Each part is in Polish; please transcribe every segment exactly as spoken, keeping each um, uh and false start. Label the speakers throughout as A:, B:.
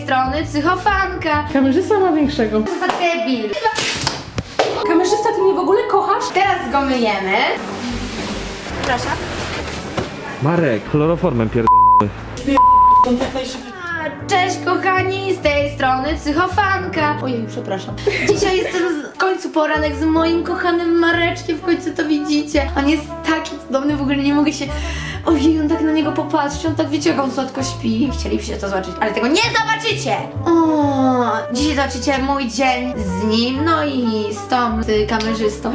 A: strony Psychofanka.
B: Kamerzysta ma większego.
A: Co za debil.
B: Kamerzysta, ty mnie w ogóle kochasz?
A: Teraz go myjemy. Proszę.
C: Marek, chloroformem pierdolony.
A: Cześć kochani, z tej strony Psychofanka. Ojej, przepraszam. Dzisiaj jest ten w końcu poranek z moim kochanym Mareczkiem. W końcu to widzicie. On jest taki cudowny, w ogóle nie mogę się... Ojej, on tak na niego popatrzy, on tak wiecie, jak on słodko śpi. Chcielibyście to zobaczyć, ale tego nie zobaczycie! O, dzisiaj zobaczycie mój dzień z nim, no i z tą, z kamerzystą.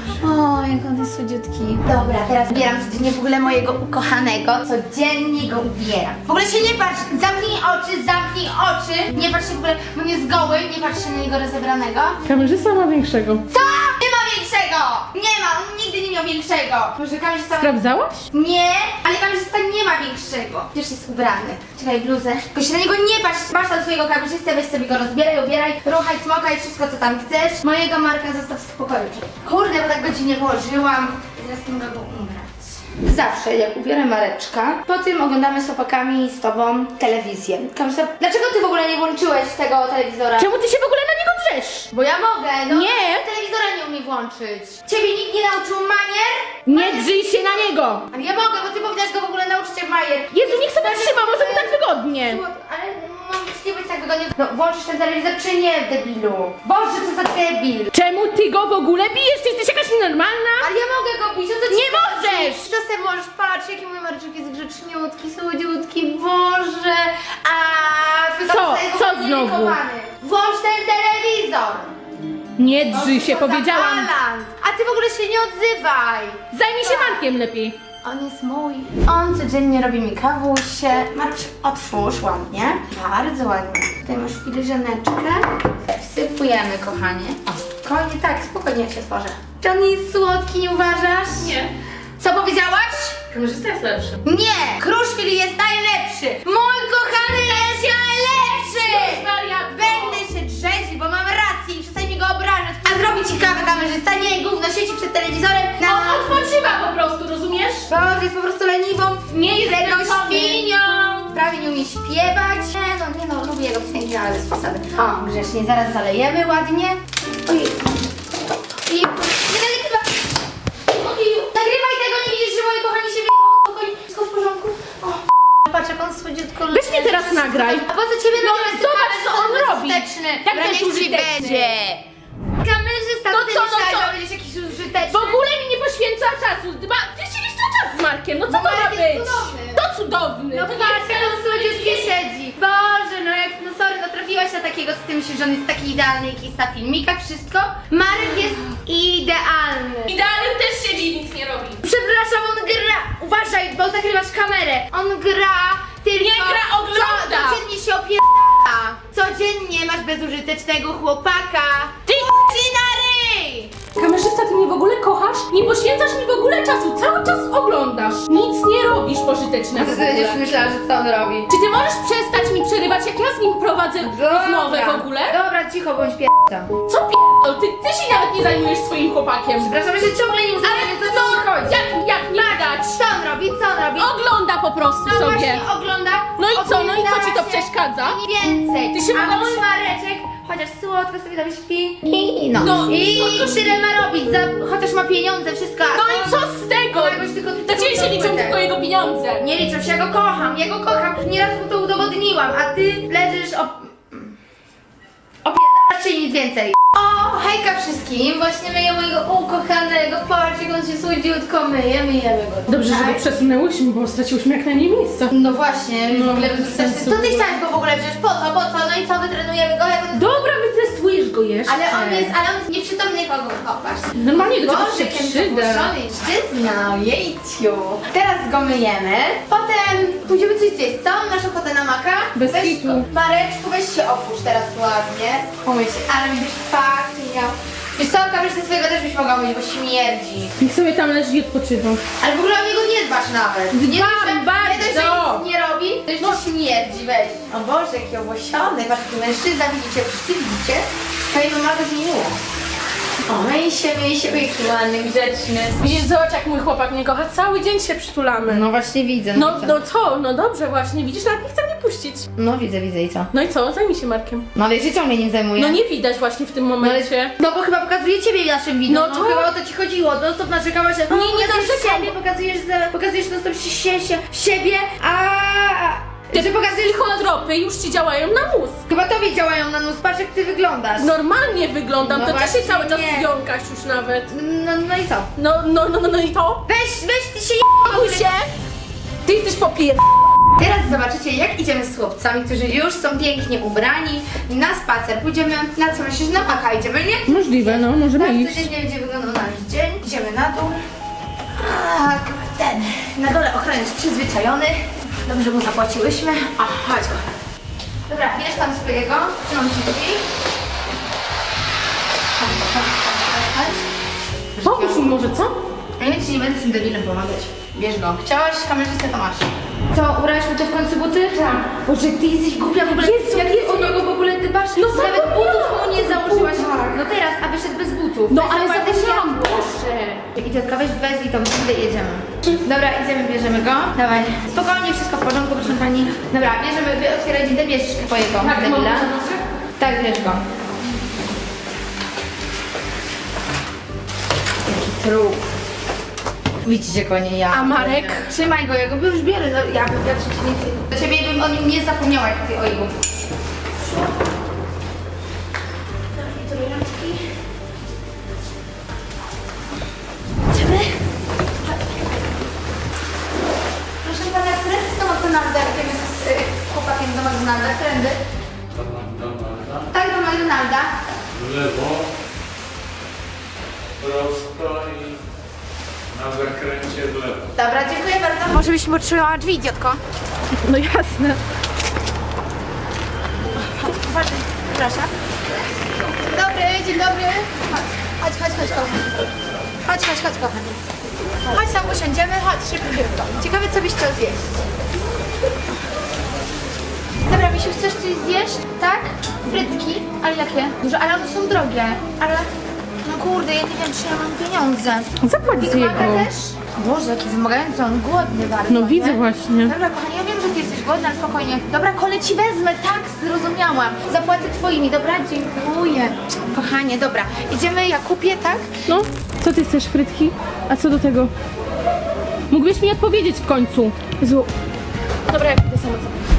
A: O, jak on jest słodziutki. Dobra, teraz ubieram codziennie w ogóle mojego ukochanego. Codziennie go ubieram. W ogóle się nie patrz, zamknij oczy, zamknij oczy. Nie patrz się w ogóle, bo nie jest goły, nie patrz się na niego rozebranego.
B: Kamerzysta ma większego.
A: Co? Nie ma większego! Nie ma, on nigdy nie miał większego. Może kamerzysta...
B: Sprawdzałaś?
A: Nie, ale kamerzysta nie ma większego. Przecież jest ubrany. Czekaj, bluzę. Tylko się na niego nie patrz. Masz tam swojego kamerzystę, weź sobie go rozbieraj, ubieraj, ruchaj, smokaj, wszystko co tam chcesz. Mojego Marka zostaw w spokoju. Kurde, bo tak godzinnie włożyłam. Teraz nie mogę go ubrać. Zawsze jak ubiorę Mareczka, po tym oglądamy z chłopakami z tobą telewizję. Kamerzysta, dlaczego ty w ogóle nie włączyłeś tego telewizora?
B: Czemu ty się w ogóle na niego drzesz?
A: Bo ja mogę, no.
B: Nie.
A: Telewizora nie umie włączyć. Ciebie nikt nie nauczył manier?
B: Nie drzyj się na niego!
A: Ale ja mogę, bo ty powinnaś go w ogóle nauczyć jak majer.
B: Jezu, niech sobie trzyma, może mu tak wygodnie.
A: Ale mam być nie być tak wygodnie. No włączysz ten telewizor czy nie, debilu? Boże, co za debil.
B: Czemu ty go w ogóle bijesz? Ty jesteś jakaś nienormalna?
A: Ale ja mogę go bić, o co ci
B: Nie
A: chodzi?
B: możesz!
A: Czasem możesz patrzeć, jaki mój Mareczek jest grzeczniutki, słodziutki, Boże. A
B: Co?
A: jest
B: Co
A: nie
B: znowu?
A: linkowany. Włącz ten telewizor.
B: Nie drzyj się,
A: Co za
B: powiedziałam.
A: balant. A ty w ogóle się nie odzywaj.
B: Zajmij się Markiem lepiej.
A: On jest mój. On codziennie robi mi kawusie. Marcz, otwórz ładnie. Bardzo ładnie. Tutaj masz filiżaneczkę. Wsypujemy, kochanie. O, spokojnie, tak, spokojnie jak się tworzę. Czy on jest słodki, nie uważasz?
B: Nie.
A: Co powiedziałaś?
B: Kamerzysta jest lepszy.
A: Nie! Kruszwil jest najlepszy! Mój kochany jest najlepszy!
B: wariatko.
A: Będę się drzeć, bo mam rację i przestań mi go obrażać. A zrobi ci kawę kamerzysta, nie gówno, siedzi przed telewizorem na...
B: On odpoczywa po prostu, rozumiesz?
A: Boże, jest po prostu leniwą,
B: Nie jest
A: wredną
B: zmęczony.
A: świnią. Prawie nie umie śpiewać. Nie no, nie no, lubię jego piosenki, ale bez fasady. O, grzecznie, zaraz zalejemy ładnie. Ojej. Ojej, nie nagrywa. Ojej, nagrywaj tego, nie widzisz, że moi kochani się wyjdą. Spokojnie, wszystko w porządku. O, patrz jak on słodziutko
B: Weź mnie teraz nagraj.
A: A po co ciebie
B: No,
A: nagrywać?
B: zobacz, co on
A: Kamerzysta
B: robi.
A: bezużyteczny.
B: Jak
A: Dobra, niech ci
B: bezużyteczny?
A: będzie. Kamerzysta,
B: No
A: ty
B: co, no
A: myślałeś,
B: co?
A: że będziesz jakiś użyteczny.
B: W ogóle mi nie poświęca czasu. Dba, ty siedzisz cały czas z Markiem, no co
A: Bo
B: to ma
A: Marek jest
B: być?
A: cudowny.
B: To cudowny.
A: No
B: to nie
A: patrz,
B: jest
A: jak on słodziutkie siedzi. Boże, no jak, no sorry, no trafiłaś na takiego, co ty myślisz, że on jest taki idealny, jak jest na filmikach, wszystko. Marek jest idealny.
B: Idealny też siedzi i nic nie robi.
A: Przepraszam, on gra. Uważaj, bo zakrywasz kamerę. On gra tylko...
B: Nie gra, ogląda.
A: Co, codziennie się opiera. Codziennie masz bezużytecznego chłopaka.
B: Ty
A: Ci na ryj!
B: Kamerzysta, ty mnie w ogóle kochasz? Nie poświęcasz mi w ogóle czasu, cały czas oglądasz. Nic nie robisz pożytecznego w ogóle.
A: myślała, że co on robi?
B: Czy ty możesz przestać mi przerywać, jak ja z nim prowadzę rozmowę w ogóle?
A: Dobra, cicho bądź p***a.
B: Co pierdol? Ty, ty się nawet nie zajmujesz swoim chłopakiem.
A: Przepraszam, że ciągle nie
B: Ale
A: wiem,
B: co?
A: ci chodzi.
B: Jak, jak nie dać?
A: Co on robi? Co on robi?
B: Ogląda po prostu
A: No
B: sobie.
A: właśnie ogląda.
B: No i co? No i co ci to
A: Odwinęła się
B: przeszkadza?
A: I więcej.
B: Ty się
A: A
B: mogłabyś-
A: mój Mareczek, chociaż słodko sobie tam śpi. I no.
B: No,
A: I
B: słodko
A: tyle ma robić, za, chociaż ma pieniądze, wszystko. a
B: No
A: to-
B: i co z tego?
A: to jakoś tylko
B: Dla ciebie się liczą tylko jego pieniądze.
A: Nie liczę się, ja go kocham, ja go kocham. Nieraz mu to udowodniłam, a ty leżysz o... Opierdalasz się i nic więcej. O, hejka wszystkim, właśnie myję mojego ukochanego, patrz jak on się słodziutko myje, myjemy go.
B: Dobrze, że
A: Tak?
B: go przesunęłyśmy, bo straciłyśmy jak najmniej miejsca.
A: No właśnie,
B: No,
A: w ogóle
B: bez
A: bez
B: sensu.
A: To ty chciałeś go w ogóle wziąć, po co, po co? No i co, wytrenujemy go, jak on jest...
B: Dobra, wytestujesz go jeszcze.
A: Ale on jest, ale on jest nieprzytomny, kogo kopasz.
B: Normalnie do czegoś
A: Boże,
B: się
A: jaki
B: przyda.
A: zapuszczony szczyzna, jejciu. Teraz go myjemy, potem pójdziemy coś zjeść. Co? Masz ochotę na maka?
B: Bez
A: weź,
B: kitu.
A: Mareczku, weź się opuść teraz ładnie. Umyj się, ale będziesz pachniał. Wiesz co, kamerzycy swojego też byś mogła myć, bo śmierdzi.
B: Niech sobie tam leży i odpoczywa.
A: Ale w ogóle o niego nie dbasz nawet.
B: Dbam
A: nie dość, że-
B: bardzo.
A: Nie dość, że nic nie robi, to jeszcze śmierdzi, weź. O Boże, jaki owłosiony, patrz, jaki mężczyzna, widzicie, wszyscy widzicie? Twoja mama go zmieniła. O, myj się, myj się, myj się, ładny, grzeczny.
B: Widzisz, zobacz jak mój chłopak mnie kocha, cały dzień się przytulamy.
A: No właśnie widzę.
B: No, no co? No dobrze właśnie, widzisz, nawet nie chce mnie odpuścić.
A: No widzę, widzę i co?
B: No i co? Zajmij się Markiem.
A: No ale ja się ciągle nim zajmuję.
B: No nie widać właśnie w tym momencie.
A: No bo chyba pokazuje ciebie w naszym wideo.
B: No
A: No,
B: to-
A: chyba o to ci chodziło. No stop narzekałaś, że
B: Nie, nie
A: pokazujesz
B: narzekam.
A: siebie, pokazujesz, za, pokazujesz no stop się, się, się, siebie, a
B: Te
A: że pokazujesz
B: psychotropy już ci działają na mózg.
A: Chyba tobie działają na nóż, patrz jak ty wyglądasz.
B: Normalnie wyglądam,
A: No
B: to ty się
A: właśnie
B: cały czas
A: nie.
B: jąkasz już nawet.
A: No, no i co?
B: No, no, no, no, no i to?
A: Weź, weź ty się
B: Pakuj się! Ty jesteś popier...
A: Teraz zobaczycie jak idziemy z chłopcami, którzy już są pięknie ubrani na spacer. Pójdziemy, na co myślisz, na maka idziemy, nie?
B: Możliwe, no, możemy
A: Tak,
B: iść.
A: codziennie będzie wyglądał nasz dzień. Idziemy na dół. A, ten, na dole ochroniarz przyzwyczajony. Dobrze mu zapłaciłyśmy. A, chodź. Dobra, bierz tam swojego. Trzymam ci drzwi. Chodź, chodź, chodź, chodź.
B: Pomóż mi może, co?
A: Ja ci nie będę z tym debilem pomagać. Bierz go. Chciałaś kamerzystę, to masz. Co, ubrałaś mu to w końcu buty? Tak. Boże, ty jesteś głupia w ogóle.
B: Jezu,
A: jak ty o niego w ogóle dbasz?
B: No
A: Nawet
B: zapomniałam
A: butów mu nie
B: o
A: założyłaś.
B: butach.
A: No teraz, a wyszedł bez butów.
B: No
A: Weź
B: ale
A: zapłacić
B: zapomniałam,
A: ja.
B: proszę.
A: I ciotka, weź wezwij tą windę i jedziemy. Dobra, idziemy, bierzemy go. Dawaj. Spokojnie, wszystko w porządku, proszę pani. Dobra, bierzemy, wy otwieraj windę, bierz twojego
B: Tak,
A: debila.
B: mogę?
A: Tak, bierz go. Jaki trup. Widzicie go, nie ja.
B: A Marek?
A: Trzymaj go, ja go już biorę, no, ja bym ja przeciwnicy. Do ciebie bym o nim nie zapomniała, jak ty o jego. Idziemy? Proszę pana, którędy z tą McDonalda, jakim jest y, chłopakiem do McDonalda, którędy? Tak, do McDonalda.
D: W lewo, prosto i na zakręcie w lewo.
A: Dobra, dziękuję bardzo. Może byś mi potrzebowała drzwi, idiotko?
B: No jasne.
A: Uważaj, proszę. Dzień dobry, dzień dobry. Chodź, chodź, chodź, kochani. Chodź, chodź, chodź, kochani. Chodź tam usiądziemy, chodź, szybko, szybko. Ciekawe, co byś chciał zjeść. Dobra, Misiu, chcesz coś zjeść? Tak? Frytki? Ale jakie? Duże, ale one są drogie. Ale... No kurde, ja nie wiem, czy ja mam pieniądze.
B: Zapłać
A: Big
B: z jego.
A: Maca też? Boże, jaki wymagający, on głodny bardzo.
B: No widzę
A: nie?
B: właśnie.
A: Dobra, kochanie, ja wiem, że ty jesteś głodna, ale spokojnie. Dobra, kole ci wezmę, tak, zrozumiałam. Zapłacę twoimi, dobra? Dziękuję. Kochanie, dobra. Idziemy, ja kupię, tak?
B: No, co ty chcesz, frytki? A co do tego? Mógłbyś mi odpowiedzieć w końcu. Zło... Dobra, ja pójdę sama.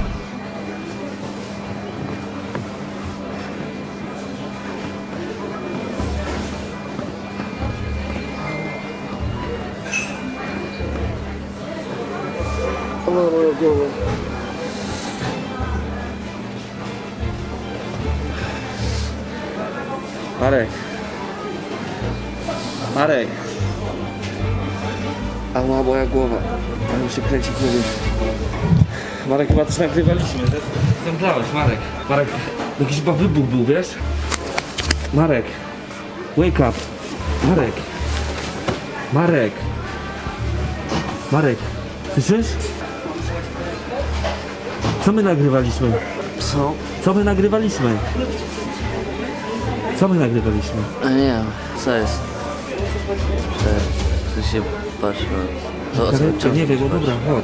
C: Marek. Marek. A ma moja głowa. Ale mi się kręci w głowie. Marek, chyba coś nagrywaliśmy. Zemdlałeś, Marek. Marek, jakiś chyba wybuch był, wiesz? Marek. Wake up. Marek. Marek. Marek. Słyszysz? Co my nagrywaliśmy?
E: Co?
C: Co my nagrywaliśmy? Co my nagrywaliśmy?
E: A nie wiem, co jest? Że, że się patrzę. To o co
C: Karetkę,
E: czemu
C: nie wiem,
E: się
C: no dobra, chodź.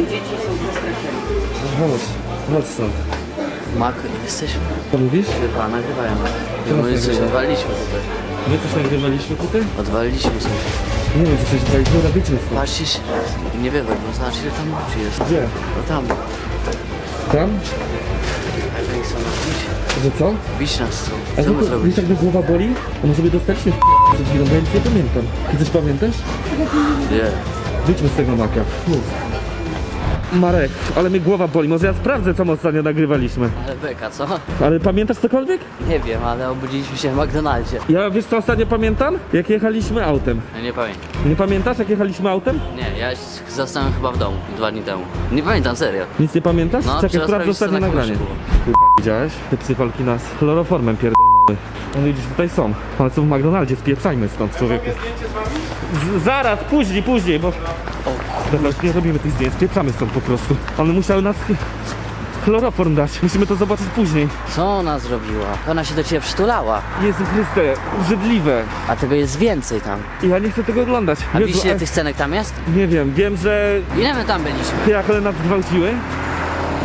C: Chodź, chodź stąd.
E: patrzę? Mak, jesteśmy.
C: Co mówisz?
E: Chyba nagrywają.
C: Teraz
E: My coś
C: nagrywają.
E: odwaliliśmy tutaj.
C: My coś nagrywaliśmy tutaj?
E: Odwaliliśmy coś.
C: Nie wiem, co coś daliśmy, dobra, wyjdźmy stąd.
E: Patrzcie się. Nie wywal, bo zobacz ile tam ludzi jest.
C: Gdzie?
E: No tam.
C: Tam?
E: Jak oni chcą nas bić?
C: Że co?
E: Bić nas chcą.
C: A
E: Co
C: to,
E: my
C: to
E: zrobić?
C: wiesz, jak mnie głowa boli? A my sobie dostaliśmy w przed chwilą, bo ja nic nie pamiętam. Ty coś pamiętasz?
E: Nie.
C: Wyjdźmy z tego maka. Mów. Marek, ale mnie głowa boli, może ja sprawdzę, co my ostatnio nagrywaliśmy.
E: Ale beka, co?
C: Ale pamiętasz cokolwiek?
E: Nie wiem, ale obudziliśmy się w McDonaldzie.
C: Ja wiesz co ostatnio pamiętam? Jak jechaliśmy autem.
E: Ja nie pamiętam.
C: Nie pamiętasz, jak jechaliśmy autem?
E: Nie, ja zostałem chyba w domu dwa dni temu. Nie pamiętam, serio.
C: Nic nie pamiętasz?
E: No,
C: Czekaj,
E: trzeba
C: sprawdzę
E: sprawdzić, co
C: ostatnie
E: na
C: nagranie.
E: kluczy było.
C: Kurwa, widziałeś? Te psycholki nas chloroformem pierdolnały. No widzisz, tutaj są. One są w McDonaldzie, spieprzajmy stąd, człowieku. Z zaraz, później, później, bo... Dobra, już nie robimy tych zdjęć, spieprzamy stąd po prostu. One musiały nas chloroform dać. Musimy to zobaczyć później.
E: Co ona zrobiła? Ona się do ciebie przytulała.
C: Jezu Chryste, obrzydliwe.
E: A tego jest więcej tam.
C: I ja nie chcę tego oglądać.
E: A
C: Jezu,
E: wiesz ile
C: a-
E: tych scenek tam jest?
C: Nie wiem, wiem, że
E: Ile my tam byliśmy?
C: ty jak one nas zgwałciły,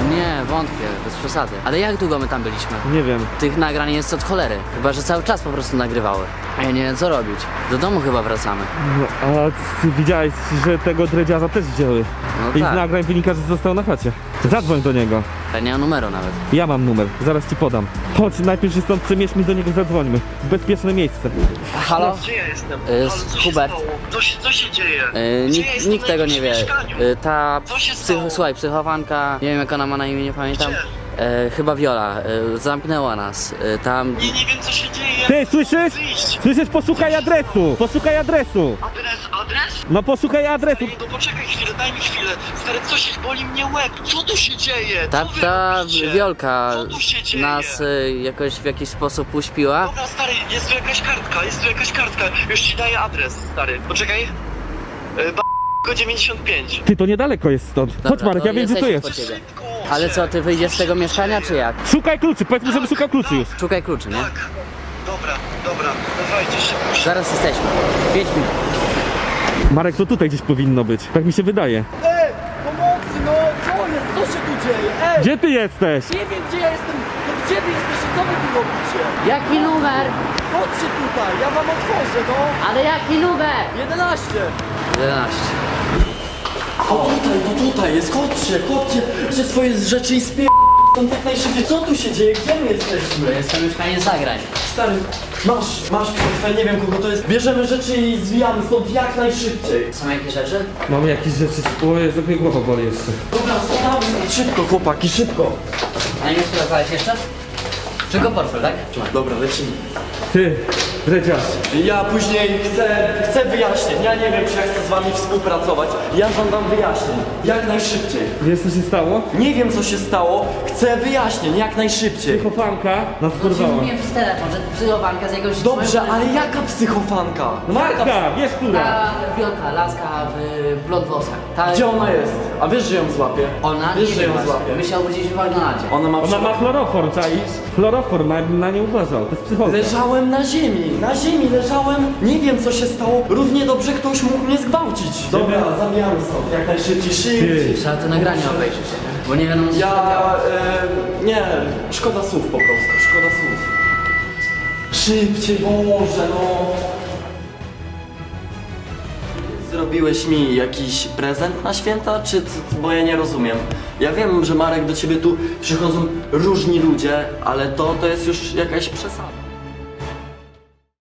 E: Nie, wątpię, bez przesady. Ale jak długo my tam byliśmy?
C: Nie wiem.
E: Tych nagrań jest od cholery. Chyba, że cały czas po prostu nagrywały. A ja nie wiem co robić. Do domu chyba wracamy.
C: No, a ty widziałeś, że tego dredziarza też wzięły.
E: No
C: I z
E: tak.
C: nagrań wynika, że został na chacie. Zadzwoń do niego.
E: Ja nie mam numeru nawet.
C: Ja mam numer, zaraz ci podam. Chodź, najpierw się stąd przemierzmy, do niego zadzwońmy. W bezpieczne miejsce.
E: Halo?
F: Gdzie ja jestem?
E: Y,
F: Halo, co się
E: Hubert.
F: stało? Co się, co się dzieje?
E: Yy,
F: Gdzie
E: nikt
F: ja jestem?
E: nikt
F: Na
E: tego nie
F: jakimś
E: wie.
F: mieszkaniu?
E: Yy, ta
F: Co się
E: psy,
F: stało?
E: słuchaj, psychowanka, nie wiem jak ona ma na imię, nie pamiętam.
F: Gdzie?
E: Yy, chyba Viola. Yy, zamknęła nas. Yy, tam.
F: Nie, nie wiem co się dzieje.
C: Ty, słyszysz?
F: Wyjść.
C: Słyszysz? Poszukaj adresu! Poszukaj adresu!
F: Adres, adres?
C: No poszukaj adresu!
F: Ej, no poczekaj chwilę, daj mi chwilę. Stary, co się boli mnie łeb? Co tu się dzieje?
E: Ta,
F: Co wy
E: ta
F: robicie?
E: Wiolka
F: Co tu się dzieje?
E: nas y, jakoś w jakiś sposób uśpiła.
F: Dobra, stary, jest tu jakaś kartka, jest tu jakaś kartka. Już ci daję adres, stary. Poczekaj. Yy, ba... dziewięćdziesiąt pięć.
C: Ty, to niedaleko jest stąd.
E: Dobra,
C: Chodź Marek,
E: to
C: ja wiem gdzie tu
E: jesteśmy
C: jest.
E: po ciebie.
F: Szybko,
E: Ale co, ty wyjdziesz z tego
F: się
E: mieszkania,
F: dzieje?
E: czy jak?
C: Szukaj kluczy, powiedzmy, żeby szukał kluczy już.
E: Szukaj kluczy, nie?
F: Tak. Dobra, dobra, dawajcie szybko.
E: Zaraz jesteśmy. Pięć minut.
C: Marek, to tutaj gdzieś powinno być. Tak mi się wydaje.
G: Ej, pomocy, no co jest, co się tu dzieje? Ej,
C: Gdzie ty jesteś?
G: nie wiem gdzie ja jestem, no gdzie wy jesteście, co wy tu robicie?
B: Jaki numer?
G: Chodźcie tutaj, ja wam otworzę, no.
B: Ale jaki numer?
G: jedenaście.
E: jedenaście.
G: O tutaj, no tutaj jest, chodźcie, chodźcie, że swoje rzeczy i spie... Tam jak najszybciej, co tu się dzieje, gdzie my
E: To
G: jesteśmy?
E: jest to mieszkanie zagrań.
G: Stary, masz, masz portfel, nie wiem kogo to jest, bierzemy rzeczy i zwijamy stąd jak najszybciej.
E: Są jakieś rzeczy?
C: Mam jakieś rzeczy, o Jezu, jak mnie głowa boli jeszcze.
G: Dobra, spadamy stąd, szybko chłopaki, szybko.
E: A nie sprawdzałeś jeszcze? Czego portfel, tak?
G: Dobra, lecimy.
C: Ty, dredziarz.
G: Ja później chcę, chcę wyjaśnień. Ja nie wiem, czy ja chcę z wami współpracować. Ja żądam wyjaśnień. Jak najszybciej.
C: Wiesz co się stało?
G: Nie wiem, co się stało. Chcę wyjaśnień, jak najszybciej.
C: Psychofanka nas porwała.
E: Mówiłem przez telefon, że psychowanka z jakąś...
G: Dobrze, ale jaka psychofanka?
C: Marka, wiesz która?
E: Ta wielka laska w blond włosach. Ta...
G: Gdzie ona jest? A wiesz, że ją złapię?
E: Ona?
G: Wiesz,
E: Nie
G: że
E: wiem
G: ją
E: właśnie.
G: złapię.
E: My się obudziliśmy w McDonaldzie.
G: Ona ma
C: Ona ma chloroform, czaisz? Chloroform, a ja bym na nie uważał, to jest psychotka.
G: Leżałem na ziemi, na ziemi leżałem. Nie wiem, co się stało. Równie dobrze ktoś mógł mnie zgwałcić. Dobra, zabijamy stąd, jak najszybciej, szybciej.
E: Trzeba te nagrania obejrzeć, bo nie wiadomo co się działo.
G: Ja... E, nie, szkoda słów po prostu, szkoda słów. Szybciej, Boże, no. Zrobiłeś mi jakiś prezent na święta, czy c- bo ja nie rozumiem. Ja wiem, że Marek, do ciebie tu przychodzą różni ludzie, ale to, to jest już jakaś przesada.